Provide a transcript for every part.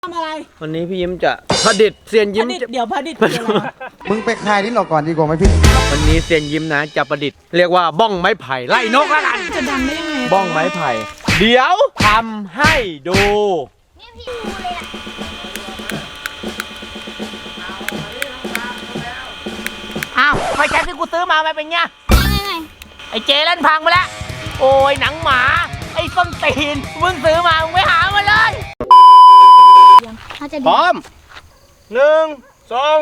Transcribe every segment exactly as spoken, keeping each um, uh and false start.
ทำอะไรวันนี้พี่ยิ้มจะผดิตเซียนยิ้มเดี๋ยวผดิตคืออะไรมึงไปคลายลิ้นออกก่อนดีกว่าไหมพี่วันนี้เซียนยิ้มนะจะประดิษฐ์เรียกว่าบ้องไม้ไผ่ไล่นกละกันจะดังได้ยังไงบ้องไม้ไผ่เดี๋ยวทำให้ดูอ้าวไฟแช็กที่กูซื้อมาไม่เป็นไงไอ้เจเล่นพังไปแล้วโอ้ยหนังหมาไอ้ส้นตีนมึงซื้อมามึงไปหามาเลยพร้อมหนึ่งสอง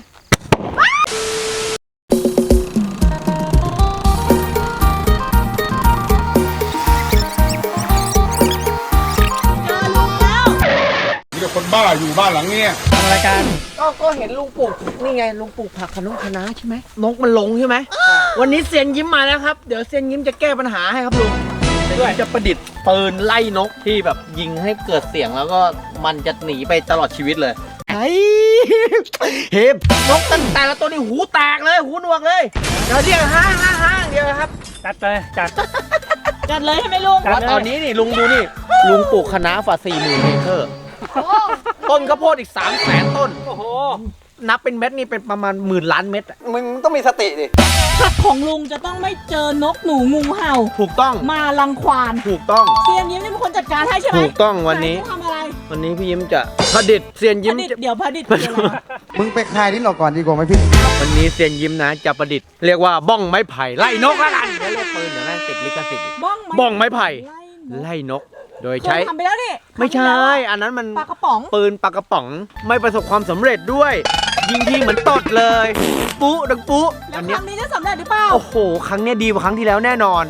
มีแต่คนบ้าอยู่บ้านหลังนี้ทำรายการก็ก็เห็นลุงปลูกนี่ไงลุงปลูกผักขนุนคะน้าใช่ไหมนกมันลงใช่ไหมวันนี้เซียนยิ้มมาแล้วครับเดี๋ยวเซียนยิ้มจะแก้ปัญหาให้ครับลุงด้วยจะประดิษฐ์ปืนไล่นกที่แบบยิงให้เกิดเสียงแล้วก็มันจะหนีไปตลอดชีวิตเลยไอ้เห็บนกตั้งแต่ละตัวนี่หูแตกเลยหูหนวกเลยเดี๋ยวเรียกฮ่าฮ่าฮ่าเดียวครับจัดเลยจัดจัดเลยใช่ไหมลุงว่าตอนนี้นี่ลุงดูนี่ลุงปลูกคะน้าฝ่าสี่หมื่นเอเคอร์ต้นข้าวโพดอีกสามแสนต้นโอ้โหนับเป็นเม็ดนี่เป็นประมาณหมื่นล้านเม็ดมึงต้องมีสติดิผักของลุงจะต้องไม่เจอนกหนูงูเห่าถูกต้องมารังควานถูกต้องเซียนยิ้มนี่เป็นคนจัดการให้ใช่ไหมถูกต้องวันนี้ทำอะไรวันนี้พี่ยิ้มจะผดิษฐ์เซียนยิ้มเดี๋ยวผดิษฐ์คืออะไรมึงไปคลายลิ้นออกก่อนดีกว่าไหมพี่วันนี้เซียนยิ้มนะจะประดิษฐ์เรียกว่าบ้องไม้ไผ่ไล่นกละกันเรียกปืนเดี๋ยวแม่งติดลิขสิทธิ์บ้องไม้ไผ่ไล่นกโดยใช้ทำไปแล้วนี่ไม่ใช่อันนั้นมันปลากระป๋องปืนปลากระป๋องไม่ประสบความสำเร็จด้วยยิงทีเหมือนตดเลยปุ๊ดังปุ๊แล้วครั้งนี้จะสำเร็จหรือเปล่าโอ้โหครั้งนี้ดีกว่าครั้งที่แล้วแน่นอน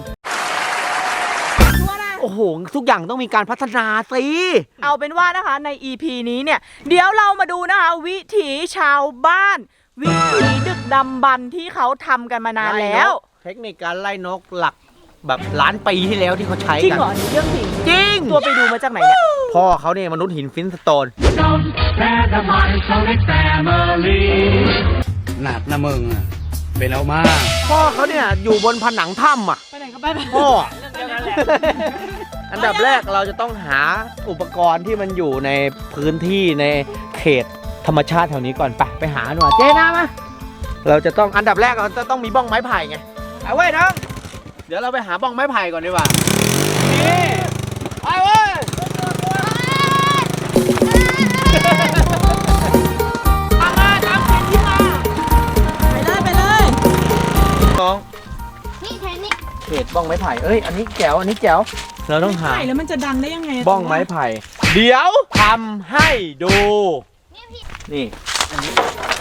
โอ้โหทุกอย่างต้องมีการพัฒนาสิเอาเป็นว่านะคะใน อี พี นี้เนี่ยเดี๋ยวเรามาดูนะคะวิถีชาวบ้านวิถีดึกดำบรรพ์ที่เขาทำกันมานานแล้วเทคนิคการไล่นกหลักแบบล้านปีที่แล้วที่เขาใช้กันจริงเหรอเรื่องจริงจริงตัวไปดูมาจากไหนเนี่ยพ่อเขาเนี่ยมนุษย์หินฟินสโตนหนักนะมึงเป็นเอามากพ่อเขาเนี่ยอยู่บนผนังถ้ำอ่ะไปไหนก็ไปพ่ออันดับแรกเราจะต้องหาอุปกรณ์ที่มันอยู่ในพื้นที่ในเขตธรรมชาติแถวนี้ก่อนไปไปหาหน่อยเจ๊นะมาเราจะต้องอันดับแรกเราจะต้องมีบ้องไม้ไผ่ไงเอาไว้น้องเดี๋ยวเราไปหาบ้องไม้ไผ่ก่อนดีกว่านี่ไปเว้ยทำมาทำเป็นที่มาไปเลยไปเลยน้องนี่แทนนี่เขตบ้องไม้ไผ่เอ้ยอันนี้แจ๋วอันนี้แจ๋วเราต้องหาแล้วมันจะดังได้ยังไงบ้องไม้ไผ่เดี๋ยวทำให้ดูนี่อันนี้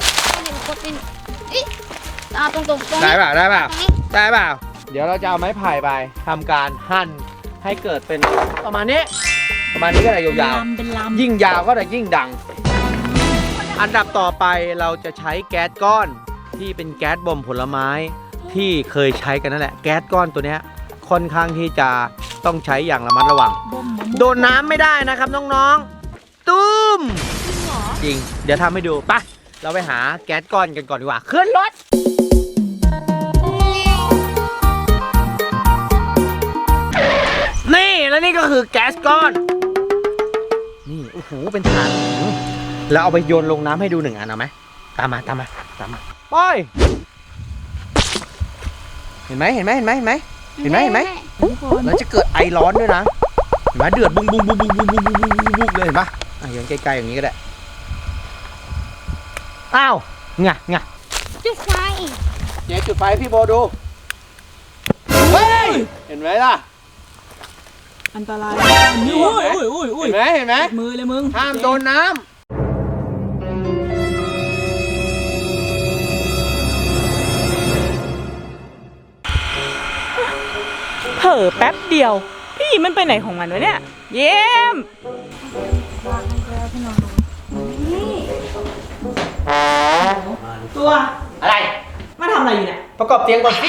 เอาตรงๆตรงได้เปล่าได้เปล่าได้เปล่าเดี๋ยวเราจะเอาไม้ไผ่ไปทำการหั่นให้เกิดเป็นประมาณนี้ประมาณนี้ก็ได้ยาวๆยิ่งยาวก็จะยิ่งดังอันดับต่อไปเราจะใช้แก๊สก้อนที่เป็นแก๊สบ่มผลไม้ที่เคยใช้กันนั่นแหละแก๊สก้อนตัวนี้ค่อนข้างที่จะต้องใช้อย่างระมัดระวังโดนน้ำไม่ได้นะครับน้องๆตุ้มจริงเดี๋ยวทำให้ดูไปเราไปหาแก๊สก้อนกันก่อนดีกว่าขึ้นรถนี่แล้วนี่ก็คือแก๊สก้อนนี่โอ้โหเป็นฐานแล้วเอาไปโยนลงน้ำให้ดูหนึ่งอันเอาไหมตามมาตามมาตามมาไปเห็นไหมเห็นไหมเห็นไหมเห็นไหมเห็นไหมเห็นไหมแล้วจะเกิดไอร้อนด้วยนะเห็นไหมเดือดบุ้งบุ้งบุ้งบุ้งบุ้งบุ้งบุ้งบุ้งบุ้งเลยเห็นปะอ่ะอย่างใกล้ๆอย่างนี้ก็ได้อ้าวงะงะจุดไฟเจ๊จุดไฟพี่โบดูเฮ้ยเห็นไหมล่ะอันตรายอุ้ยอุ้ยอุ้ยอุ้ยเห็นไหมเห็นไหมมือเลยมึงห้ามโดนน้ำเผลอแป๊บเดียวพี่มันไปไหนของมันวะเนี่ยเยี่ยมตัวอะไรมาทำอะไรอยู่เนี่ยประกอบเตียงก่อนสิ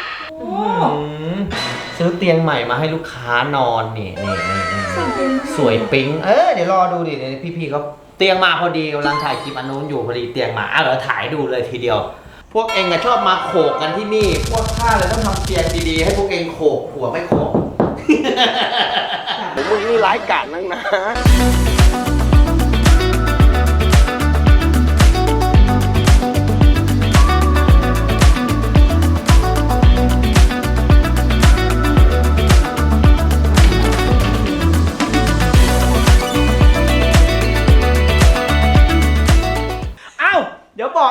ซื้อเตียงใหม่มาให้ลูกค้านอนนี่นี่นี่สวยปิ๊งเออเดี๋ยวรอดูดิพี่ๆเขาเตียงมาพอดีกำลังถ่ายคลิปอันนู้นอยู่พอดีเตียงมาอ่ะเดี๋ยวถ่ายดูเลยทีเดียวพวกเองอะชอบมาโขกกันที่นี่พวกข้าเลยต้องทำเตียงดีๆให้พวกเองโขกหัวไม่โขกผมมึงนี่ร้ายกาจนักนะ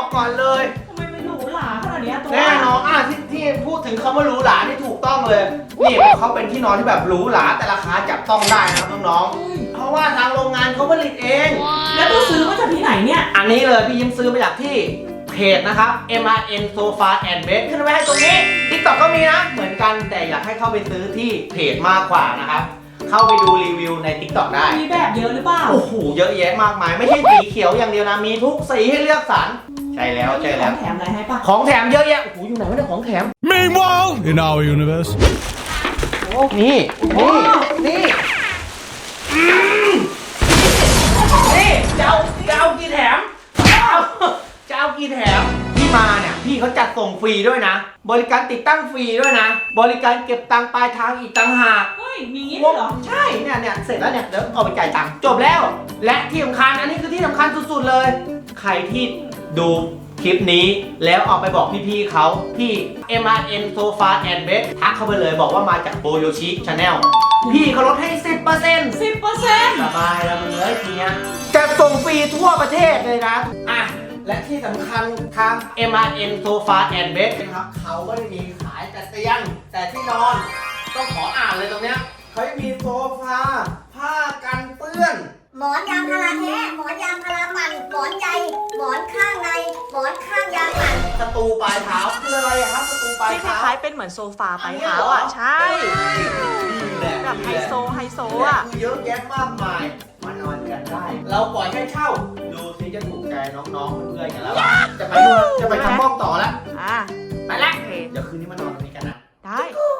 ก่อนเลยทำไมมันหรูหราขนาดเนี้ยตัวแน่นอนอ่ะที่ที่พูดถึงคำว่าหรูหรานี่ถูกต้องเลย นี่เขาเป็นที่นอนที่แบบหรูหราแต่ราคาจับต้องได้นะครับน้องๆเพราะว่าทางโรงงานเขาผลิตเองแล้วตัวซื้อมาจากที่ไหนเนี่ยอันนี้เลยพี่ยิ้มซื้อมาจากที่เพจนะครับ เอ็ม อาร์ เอ็น Sofa and Bed ขึ้นไว้ให้ตรงนี้ TikTok ก็มีนะ เหมือนกันแต่อยากให้เข้าไปซื้อที่เพจมากกว่านะครับ เข้าไปดูรีวิวใน TikTok ได้มีแบบเยอะหรือเปล่าโอ้โห เยอะแยะมากมาย ไม่ใช่สีเขียวอย่างเดียวนะ มีทุกสีให้เลือกสรรใช่แล้วใช่แล้วแถมอะไรให้ปะของแถมเยอะแยะ โอ้โห อยู่ไหนวะเนี่ยของแถม Meanwhile in our universe นี่ นี่ นี่อืมนี่จะเอาจะเอากี่แถมจะเอาจะเอากี่แถมที่มาเนี่ยพี่เขาจัดส่งฟรีด้วยนะ บริการติดตั้งฟรีด้วยนะ บริการเก็บตังค์ปลายทางอีกต่างหากเฮ้ย มีงี้ด้วยเหรอใช่เนี่ยเนี่ยเสร็จแล้วเนี่ยเดี๋ยวเอาไปจ่ายตังค์จบแล้ว และที่สำคัญอันนี้คือที่สำคัญสุดๆเลย ใครที่ดูคลิปนี้แล้วเอาไปบอกพี่ๆเขาที่ เอ็ม อาร์ เอ็น Sofa and Bed ทักเข้าไปเลยบอกว่ามาจากโบโยชิ Channel พี่เขาลดให้ สิบเปอร์เซ็นต์สิบเปอร์เซ็นต์สบายแล้วมึงเอ้ยทีเนี้ยจะส่งฟรีทั่วประเทศเลยนะอ่ะและที่สำคัญทาง เอ็ม อาร์ เอ็น Sofa and Bed นะครับเขาไม่ได้มีขายแต่เตียงแต่ที่นอน ต้องขออ่านเลยตรงเนี้ยเขาจะมีโซฟาผ้ากันเปื้อนหมอนยางพาราแท้หมอนยางพาราปั่นหมอนใยหมอนข้างในหมอนข้างยางปั่นสตูปลายเท้าคืออะไรอะครับสตูปลายที่คเท้าล้ายๆเป็นเหมือนโซฟาปลายเท้าอ่ะ ใช่ แบบไฮโซไฮโซอ่ะเยอะแยะมากมายมานอนกันได้ เราปล่อยให้เช่า ดูสิจะถูกใจน้องๆเพื่อนๆกันแล้วอะจะไปดูจะไปทำห้องต่อแล้วอ่ะไปละโอเคเดี๋ยวคืนนี้มานอนตรงนี้กันนะได้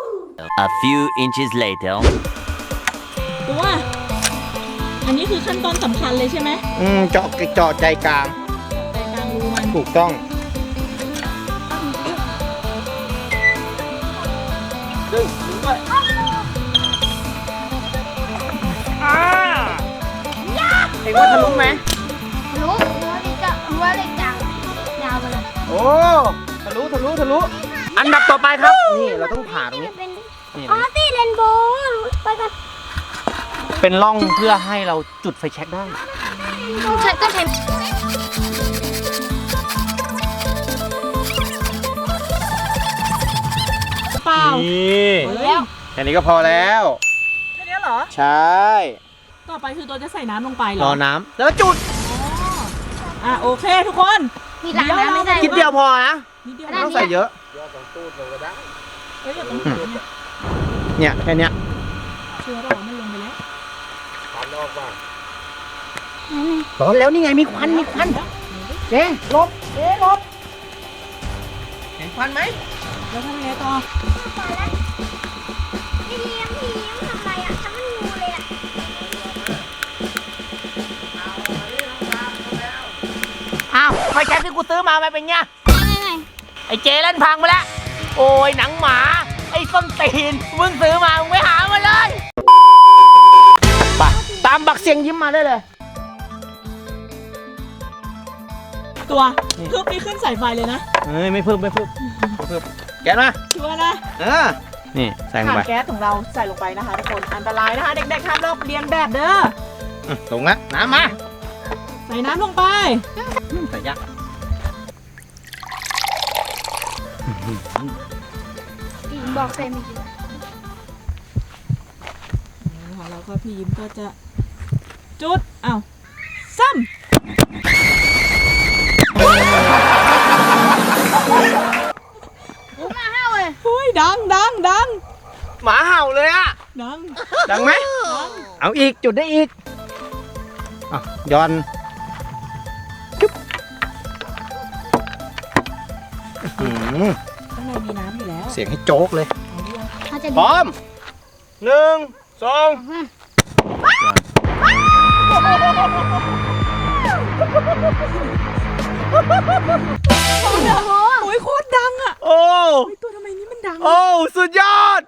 A few inches later. ตัว อันนี้คือขั้นตอนสำคัญเลยใช่ไหมอืมเจาะเจาะใจกลางใจกลางรูมันถูกต้องดึงดึงด้วยอ่าเห็นว่าทะลุไหมรู้รู้เลยจะรู้เลยจังยาวไปเลยโอ้ทะลุทะลุทะลุอันดับต่อไปครับ นี่เราต้องผ่าตรงนี้นี่อ๋อตีเรนโบว์ไปกันเป็นร่องเพื่อให้เราจุดไฟแช็กได้ต้องใช้ต้องใช้เปล่านี่แล้วแค่นี้ก็พอแล้วแค่นี้เหรอใช่ต่อไปคือตัวจะใส่น้ำลงไปเหรรออน้ำแล้วก็จุดอ่ะโอเคทุกคนมีล้างน้ำไม่ได้คิดเดียวพอนะนิดเดียวไม่ต้องใส่เยอะเอ้ยอย่าตรงนี้เนี่ยเนี่ยแค่เนี้ยเชื้อเรามันลงไปแล้วร้อนแล้วนี่ไงมีควันมีควันเจ๊ลบเจ๊ลบเห็นควันไหมแล้วทำยังไงต่อพี่เลี้ยงพี่เลี้ยงทำไรอ่ะทำมันงูเลยอ่ะอ้าวไฟแช็กที่กูซื้อมามันเป็นไงไงไงไอ้เจเล่นพังไปแล้ว โอ้ยหนังหมา ไอ้ส้นตีน มึงซื้อมา มึงไม่หามาเลย ไป ตามบักเสียงยิ้มมาได้เลยตัวพึบนี่ขึ้นสายไฟเลยนะเฮ้ย ไม่เพิ่มไม่เพิ่มไม่เพิ่มแก๊สมาชัวร์นะเออ นี่ใส่ลงถ่านไปแก๊สของเราใส่ลงไปนะคะทุกคน อันตรายนะคะ เด็กๆห้ามลอกเลียนแบบเด้ออืมลงละน้ำมาใส่น้ำลงไปใส่ยักษ์บอกเซมิของเราก็พี่ยิ้มก็จะจุดอ้าวซ้รู้มาห้าเลยำหุ้ยดังดังดังหมาเห่าเลยอะดังดังไหมดังเอาอีก จุดได้อีกอ่ะย้อนจุ๊บอื้อหือข้างในมีน้ำอยู่แล้วเสียงให้โจ๊กเลยเอาหรือยังเขาจะพร้อมหนึ่งสองอุ้ยโคตรดังอ่ะโอ้เฮ้ยตัวทำไมนี่มันดังโอ้สุดยอด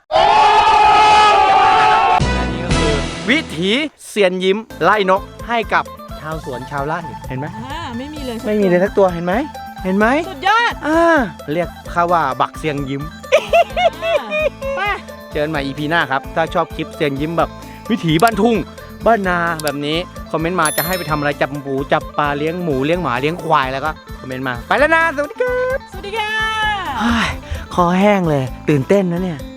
และนี่ก็คือวิถีเซียนยิ้มไล่นกให้กับชาวสวนชาวไร่เห็นไหมอ่าไม่มีเลยสักไม่มีเลยสักตัวเห็นไหมเห็นไหมสุดยอดอ่าเรียกข้าว่าบักเซียงยิ้มอ่าไปเจอกันใหม่ อี พี หน้าครับ ถ้าชอบคลิปเซียนยิ้มแบบวิถีบ้านทุ่งบ้านนาแบบนี้คอมเมนต์มาจะให้ไปทำอะไรจับหมูจับปลาเลี้ยงหมูเลี้ยงหมาเลี้ยงควายแล้วก็คอมเมนต์มาไปแล้วนะสวัสดีครับสวัสดีค่ะคอแห้งเลยตื่นเต้นนะเนี่ย